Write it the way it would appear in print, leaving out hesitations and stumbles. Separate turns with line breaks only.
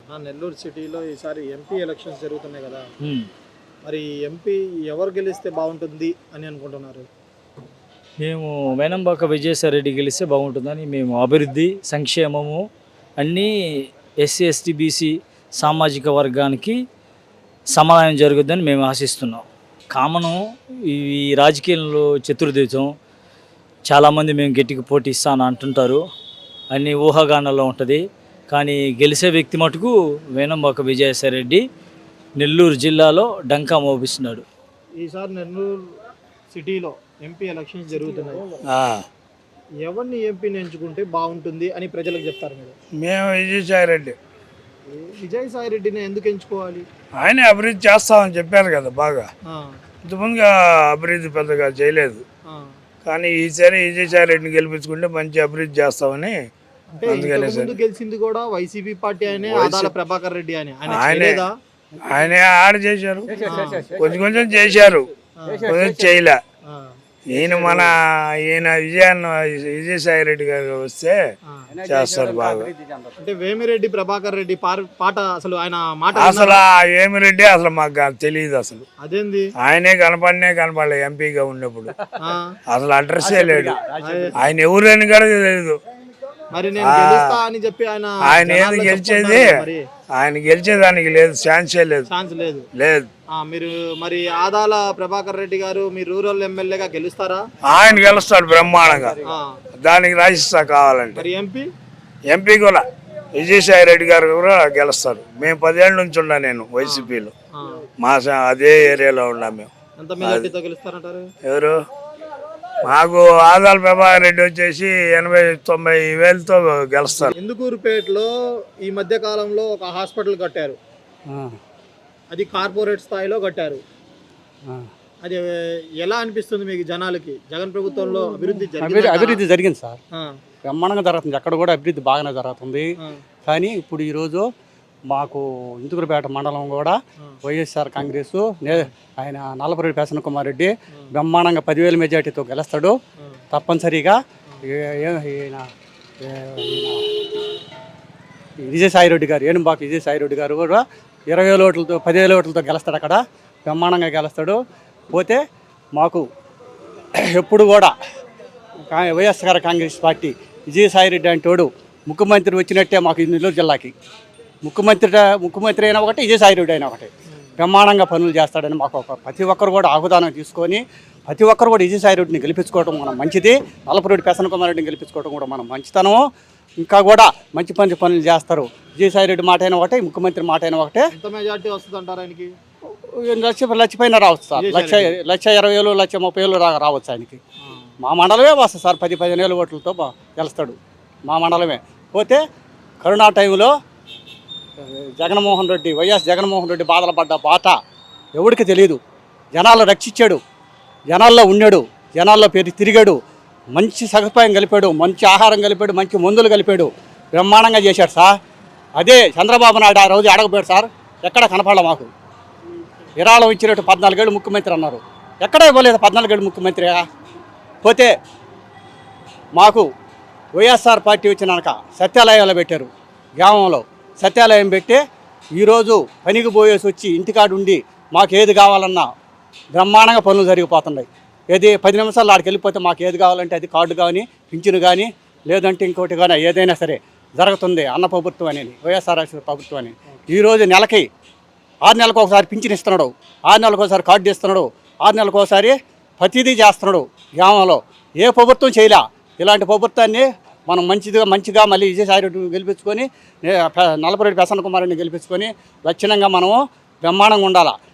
నెల్లూరు సిటీలో ఈసారి MP elections జరుగుతున్నాయి కదా, మరి ఎంపీ ఎవరు గెలిస్తే బాగుంటుంది అని అనుకుంటున్నారు?
మేము వేనంబాక విజయసాయిరెడ్డి గెలిస్తే బాగుంటుందని మేము అభివృద్ధి సంక్షేమము అన్నీ ఎస్సీ ఎస్టీ బీసీ సామాజిక వర్గానికి సమాధానం జరుగుద్దని మేము ఆశిస్తున్నాం. కామను ఈ రాజకీయంలో చతుర్దితం చాలామంది మేము గట్టికి పోటీ ఇస్తాను అంటుంటారు, అన్ని ఊహాగానాల్లో ఉంటుంది. కానీ గెలిచే వ్యక్తి మటుకు వేనంబాక విజయసాయిరెడ్డి నెల్లూరు జిల్లాలో డంకా మోపిస్తున్నాడు.
ఈసారి నెల్లూరు సిటీలో ఎంపీ ఎలక్షన్స్ జరుగుతున్నాయి, ఎవరిని ఎంపీని ఎంచుకుంటే బాగుంటుంది అని ప్రజలకు చెప్తారు మీరు?
మేము విజయసాయిరెడ్డి.
విజయసాయిరెడ్డిని ఎందుకు ఎంచుకోవాలి?
ఆయన అభివృద్ధి చేస్తామని చెప్పారు కదా బాగా. ఇంతకుముందుగా అభివృద్ధి పెద్దగా చేయలేదు, కానీ ఈసారి విజయసాయిరెడ్డిని గెలిపించుకుంటే మంచి అభివృద్ధి చేస్తామని.
గెలిచింది కూడా వైసీపీ పార్టీ ఆయనే, ఆదాల ప్రభాకర్ రెడ్డి అని.
ఆయన ఆడ చేశారు, కొంచెం చేశారు, కొంచెం చేయలే. ఈయన విజయసాయిరెడ్డి గారు వస్తే చేస్తారు బాగా.
అంటే వేమిరెడ్డి ప్రభాకర్ రెడ్డి పాట అసలు ఆయన మాట
అసలు వేమిరెడ్డి అసలు మాకు తెలియదు అసలు.
అదేంది?
ఆయనే కనపడలే ఎంపీగా ఉన్నప్పుడు. అసలు అడ్రస్సే లేడు, ఆయన ఎవరని కూడా తెలియదు.
మరి నేను గెలుస్తా అని చెప్పి
ఆయన ఏది గెలిచేది, ఆయన గెలిచేదానికి లేదు, ఛాన్సే లేదు. లేదు.
మీరు మరి ఆదాల ప్రభాకర్ రెడ్డి గారు మీ రూరల్ ఎమ్మెల్యేగా గెలుస్తారా?
ఆయన గెలుస్తాడు బ్రహ్మాండంగా, దానికి రాసిస్తా కావాలంటే.
మరి
ఎంపీ కూడా విజయసాయిరెడ్డి గారు కూడా గెలుస్తారు. మేము 10 ఏళ్ళ నుంచి ఉన్నా నేను వైసీపీలో, మా అదే ఏరియాలో ఉన్నా మేము.
ఎంత మెజారిటీతో గెలుస్తారంటారు?
ఎవరు? మాకు ఆదాల ప్రభాకర్ రెడ్డి వచ్చేసి 80-90 వేలతో గెలుస్తారు.
ఇందుకూరుపేటలో ఈ మధ్య కాలంలో ఒక హాస్పిటల్ కట్టారు, అది కార్పొరేట్ స్థాయిలో కట్టారు. అది ఎలా అనిపిస్తుంది మీకు జనాలకి? జగన్ ప్రభుత్వంలో
అభివృద్ధి జరిగింది సార్, బ్రహ్మాండంగా జరుగుతుంది, ఎక్కడ కూడా అభివృద్ధి బాగానే జరుగుతుంది. కానీ ఇప్పుడు ఈరోజు మాకు ఇందుకూరుపేట మండలం కూడా వైఎస్ఆర్ కాంగ్రెస్ ఆయన నల్లపురెడ్డి ప్రసన్న కుమార్ రెడ్డి బ్రహ్మాండంగా 10,000 మెజార్టీతో గెలుస్తాడు తప్పనిసరిగా. విజయసాయిరెడ్డి గారు, వేణుబాక విజయసాయిరెడ్డి గారు కూడా 20,000 ఓట్లతో 10,000 ఓట్లతో గెలుస్తాడు, అక్కడ బ్రహ్మాండంగా గెలుస్తాడు. పోతే మాకు ఎప్పుడు కూడా వైఎస్ఆర్ కాంగ్రెస్ పార్టీ విజయసాయిరెడ్డి అంటోడు ముఖ్యమంత్రి వచ్చినట్టే మాకు నెల్లూరు జిల్లాకి. ముఖ్యమంత్రి అయినా ఒకటి, విజయసాయిరెడ్డి అయినా ఒకటి, బ్రహ్మాండంగా పనులు చేస్తాడని మాకు ప్రతి ఒక్కరు కూడా ఆహ్వానం తీసుకొని ప్రతి ఒక్కరు కూడా విజయసాయిరెడ్డిని గెలిపించుకోవడం మనం మంచిది. నల్లపురెడ్డి ప్రసన్న కుమార్ రెడ్డిని గెలిపించుకోవడం కూడా మనం మంచితనము. ఇంకా కూడా మంచి పనులు చేస్తారు. విజయసాయిరెడ్డి మాట అయినా ఒకటే, ముఖ్యమంత్రి మాట అయినా ఒకటే. లక్ష పైన రావచ్చు సార్, 1,20,000 1,30,000 రావచ్చు ఆయనకి. మా మండలమే వస్తుంది సార్, 10-15,000 ఓట్లతో గెలుస్తాడు మా మండలమే. పోతే కరోనా టైంలో వైఎస్ జగన్మోహన్ రెడ్డి బాధలు పడ్డ బాట ఎవరికి తెలియదు. జనాల్లో రక్షించాడు, జనాల్లో ఉన్నాడు, జనాల్లో తిరిగాడు, మంచి సదుపాయం కలిపాడు, మంచి ఆహారం కలిపాడు, మంచి మందులు కలిపాడు, బ్రహ్మాండంగా చేశాడు సార్. అదే చంద్రబాబు నాయుడు ఆ రోజు అడగపోయాడు సార్, ఎక్కడ కనపడలే మాకు. విరాళం ఇచ్చినట్టు 14 ఏళ్ళు ముఖ్యమంత్రి అన్నారు, ఎక్కడ ఇవ్వలేదు 14 ఏళ్ళు ముఖ్యమంత్రిగా. పోతే మాకు వైఎస్ఆర్ పార్టీ వచ్చినాక సత్యాలయాలు పెట్టారు, గ్రామంలో సత్యాలయం పెట్టి ఈరోజు పనికి పోయేసి వచ్చి ఇంటికాడు ఉండి మాకు ఏది కావాలన్నా బ్రహ్మాండంగా పనులు జరిగిపోతున్నాయి. ఏది 10 నిమిషాలు ఆడికి వెళ్ళిపోతే మాకు ఏది కావాలంటే అది కార్డు కానీ పింఛను కానీ లేదంటే ఇంకోటి కానీ ఏదైనా సరే జరుగుతుంది. అన్న ప్రభుత్వం అనేది, వైఎస్ఆర్ ప్రభుత్వం అని. ఈరోజు నెలకి 6 నెలలకు ఒకసారి పింఛను ఇస్తున్నాడు, 6 నెలలకు ఒకసారి కార్డు ఇస్తున్నాడు, 6 నెలలకు ఒకసారి ప్రతిదీ చేస్తున్నాడు గ్రామంలో. ఏ ప్రభుత్వం చేయలే. ఇలాంటి ప్రభుత్వాన్ని మనం మంచిగా మళ్ళీ విజయసాయిరెడ్డిని గెలిపించుకొని, నల్లపురెడ్డి ప్రసన్న కుమార్ రెడ్డిని గెలిపించుకొని లక్షణంగా మనము బ్రహ్మాండంగా ఉండాలి.